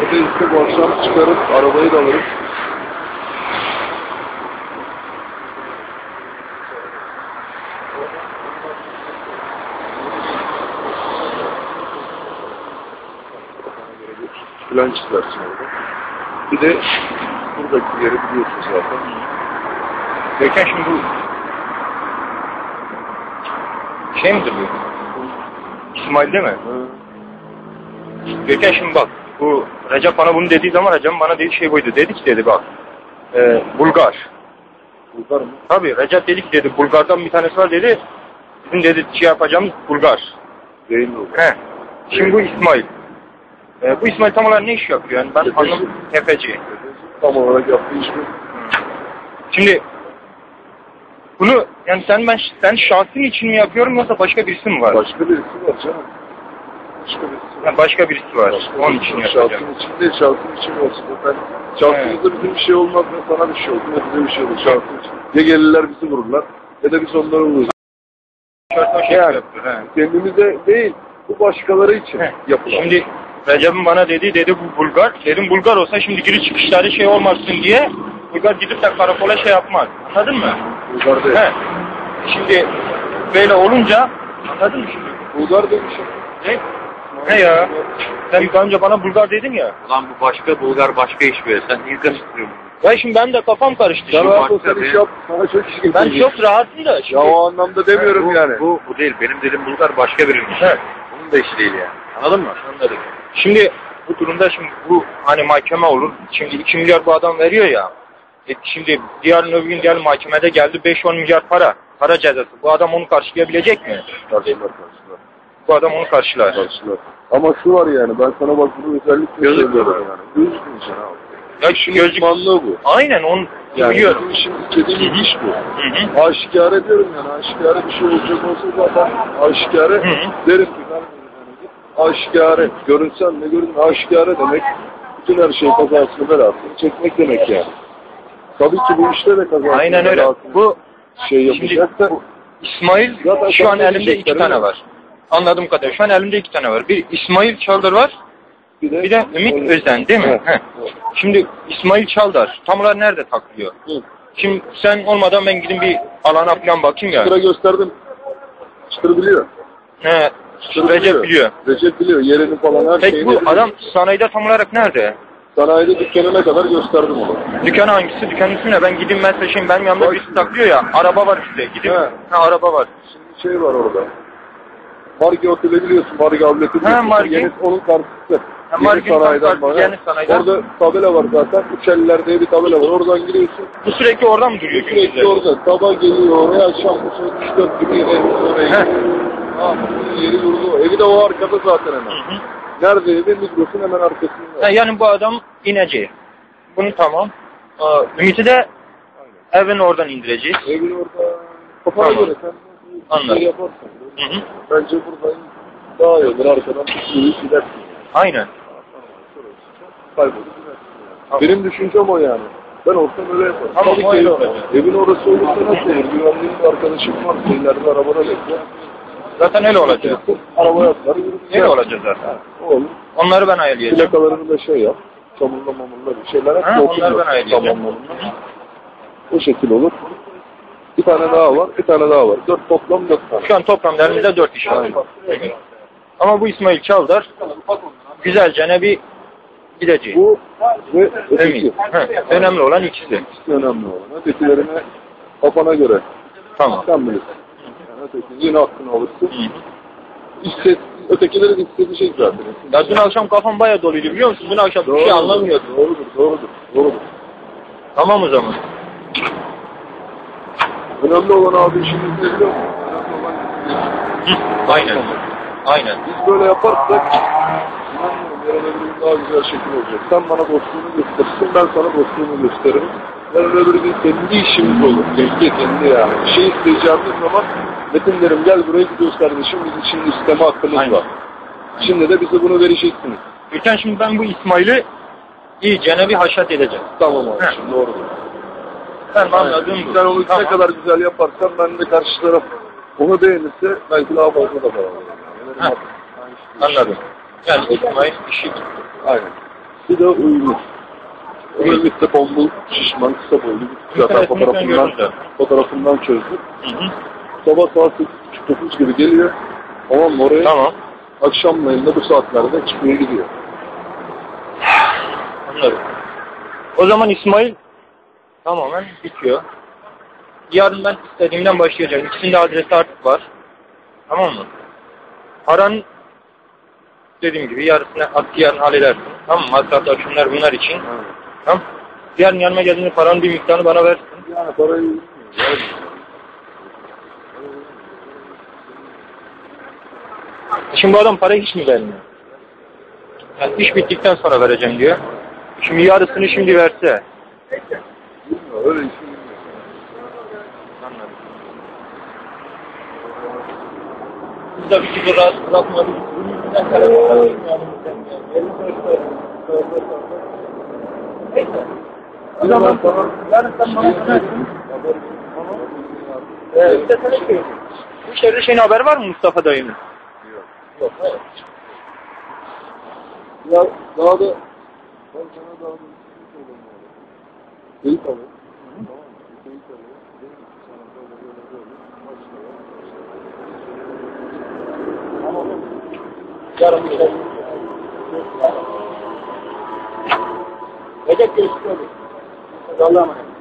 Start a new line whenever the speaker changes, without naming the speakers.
Neredeyse bu akşam çıkarıp arabayı da alırız. Plan çizersin orada. Bir de buradaki yeri biliyorsun zaten.
Gökhan şimdi bu şey midir bu? İsmail değil mi?
Hı.
Gökhan şimdi bak, bu Recep bana bunu dediği zaman Recep bana dediği şey buydu. Dedi ki dedi bak, Bulgar.
Bulgar mı?
Tabii Recep dedi ki dedi, Bulgar'dan bir tanesi var dedi. Bizim dedi şey yapacağımız Bulgar.
Değil mi?
He. Şimdi bu İsmail. Bu İsmail tam olarak ne iş yapıyor yani? Ben anlamadım. Tefeci.
Tam olarak yaptığı iş bu.
Şimdi bunu yani sen şahsın için mi yapıyorum yoksa başka birisi mi var?
Başka birisi var canım. Başka birisi var.
Yani başka birisi var. Onun için yapacağım.
Şahsın için değil, şahsın için olsun. Ben şahsımızda bizim bir şey olmaz ne sana bir şey olur ne bize bir şey olur şahsın için. Ya gelirler bizi vururlar ya da biz onları vururuz.
Şey
Yani
yapıyor,
kendimize değil, bu başkaları için yapılan.
Şimdi Recep'in bana dedi bu Bulgar. Dedim Bulgar olsa şimdi giriş çıkışları şey olmasın diye Bulgar gidip de karakola şey yapmaz. Anladın mı?
Bulgar değil.
He. Şimdi böyle olunca anladın mı şimdi?
Bulgar demişim.
Ne ya? Sen daha önce bana Bulgar dedin ya.
Ulan bu başka, Bulgar başka iş be. Sen niye karıştırıyorsun?
Ya şimdi ben de kafam karıştı.
Sen
Şimdi.
rahat ol, sen iş yap. Sana çok iş
Ben
getireceğim.
çok rahatım da. Şimdi.
Ya o anlamda demiyorum
bu,
yani.
Bu değil. Benim dediğim Bulgar başka birinin işi.
He.
Bunun da işi değil yani. Anladın mı?
Anladım. Şimdi bu durumda şimdi bu hani mahkeme olur. Şimdi 2 milyar bu adam veriyor ya. Şimdi yarın öbür gün diyelim mahkemede geldi 5-10 milyar para cezası. Bu adam onu karşılayabilecek mi?
Karşılar.
Bu adam onu karşılar.
Ama şu var yani, ben sana bak bunu özellikle söylüyorum yani. Gözükmeyeceksin abi.
Ya şu gözlük...
Manlığı bu.
Aynen onu
Yani
biliyorum.
bizim işin istediğimiz iş bu.
Hı.
Aşikare diyorum yani, aşikare bir şey olacak olsa zaten aşikare derim ki ben aşikare, görünsen ne görün, aşikare demek bütün her şey kazasını belasını çekmek demek yani. Tabii ki bu işte de kazasını
Aynen öyle. Bu
şey yapacaksa
bu İsmail
zaten
şu an elimde 2
diyecekler,
tane
öyle.
var. Anladığım kadarıyla şu an elimde 2 tane var. Bir İsmail Çaldar var. Bir de Ümit Özden değil mi?
Evet.
Şimdi İsmail Çaldar tam olarak nerede takılıyor?
Hı.
Şimdi sen olmadan ben gidin bir alana falan bakayım ya.
Çıtır'a gösterdim. Çıtır biliyor.
He,
Çıtır
Recep biliyor.
Recep biliyor. Yerini falan her
Peki
şeyini
bu
biliyor.
adam sanayide tam olarak nerede?
Sanayide dükkanına kadar gösterdim onu.
Dükkanı hangisi? Dükkanın ismi ne? Ben gideyim ben seçeyim. Benim yanımda
Bak.
birisi takılıyor ya. Araba var üstte. Gideyim.
He.
Ha araba var.
Şimdi şey var orada. Margi Oteli biliyorsun. Margi Avleti biliyorsun.
Margi.
Yeni, onun karşısı.
Margi karşısı, yeni sanayiden.
Orada tabela var zaten. Üçeliler diye bir tabela var. Oradan giriyorsun.
Bu sürekli oradan mı duruyor?
Sürekli orada. Sabah geliyor oraya. Akşam bu saat 3-4 gibi yine oraya
He.
gidiyor. Yeri yurdu. Evi de o arkada zaten hemen.
Hı.
Nerede evi? Migros'un hemen arkasında.
Ha, yani bu adam ineceği. Bunu tamam. Ümit'i de evin oradan indireceğiz.
Evin orada. Kafana
Tamam.
göre sen
Anladım.
şey yaparsan.
Hı.
Bence buradan daha iyi olur. Arkadan bir sürü gidersin.
Aynen.
Kaybolup gidersin. Benim düşüncem o yani. Ben olsam öyle yaparım.
Tamam,
Tabii
öyle
ki
olacak.
evin orası olursa nasıl olur? Güvenliğin bir arkadaşım var. İleride arabada bekliyor.
Zaten öyle olacak.
Arabaya atlar. Yürüp
Öyle olacak zaten.
o olur.
Onları ben ayarlayacağım.
Plakalarını da şey yap. Çamurla mamurla bir şeyler yap.
Ha,
Dokun
onları
yok.
ben ayarlayacağım.
Tamamlarını. O şekil olur. Bir tane daha var. Bir tane daha var. Toplam 4 tane.
Şu an toplamda elimizde 4 iş var. Ama bu İsmail Çaldar güzelce ne bir gidecek.
Bu ve öteki.
Emin. Önemli olan ikisi.
İkisi önemli olan. Ötekilerine kafana göre.
Tamam.
Sen bilirsin. Yani öteki yine hakkını alırsın. Ötekilerin istediği zaten.
Ya dün akşam kafam bayağı doluydu biliyor musun? Dün akşam bir şey anlamıyordum.
Doğrudur.
Tamam o zaman.
Önemli olan abi işimiz ne biliyor musun? Önemli olan
Aynen.
biz böyle yaparsak inanmıyorum yarın öbür gün daha güzel şekil olacak. Sen bana dostluğunu gösterirsin, ben sana dostluğumu gösteririm. Yarın öbür gün kendi işimiz olur. Kendi yani. Bir şey isteyeceğimiz zaman Metin derim gel buraya gidiyoruz kardeşim, biz için isteme hakkımız var. Şimdi de bize bunu vereceksiniz.
Ülken şimdi ben bu İsmail'i iyicene bir haşat edeceğim.
Tamam abi, şimdi doğrudur.
Ben anladım.
Sen onu ne kadar güzel yaparsan ben de karşı taraf onu beğenirse belki daha fazla da para alırım.
Anladım. Yani İsmail işi.
Aynen. Bir de uyumlu. Özellikle tombul, şişman, kısa boylu. Zaten fotoğrafından çözdüm. Sabah saat 8.30-9 gibi geliyor. Tamam mı oraya?
Tamam.
Akşamleyin de bu saatlerde çıkmaya gidiyor.
Anladım. O zaman İsmail tamamen bitiyor. Yarın ben istediğimden başlayacağım. İkisinin de adresi artık var. Tamam mı? Paranın dediğim gibi yarısını yarın halledersin. Tamam mı? Masraflar şunlar bunlar için. Tamam. Yarın yanıma geldiğinde paranın bir miktarını bana versin.
Yani parayı...
Şimdi bu adam parayı hiç mi vermiyor? Yani iş bittikten sonra vereceğim diyor. Şimdi yarısını şimdi verse.
Bilmiyorum, öyle işin bilmiyorum.
Anladım. Biz de bir türlü rahat bırakmadık. Neyse. O zaman yarın sen bana söylersin. Bir de sana şey. Bu şehirde şeyin haber var mı Mustafa dayının? Yok. Hayır.
Ya daha da... Ben sana daha da bir şey söyleyeyim. Teyit alın. Tamam mı? Teyit alın. Dedim ki sana böyle. Başlıyor.
Tamam. Yarın bir şey. Recep görüşürüz. Allah'a emanet.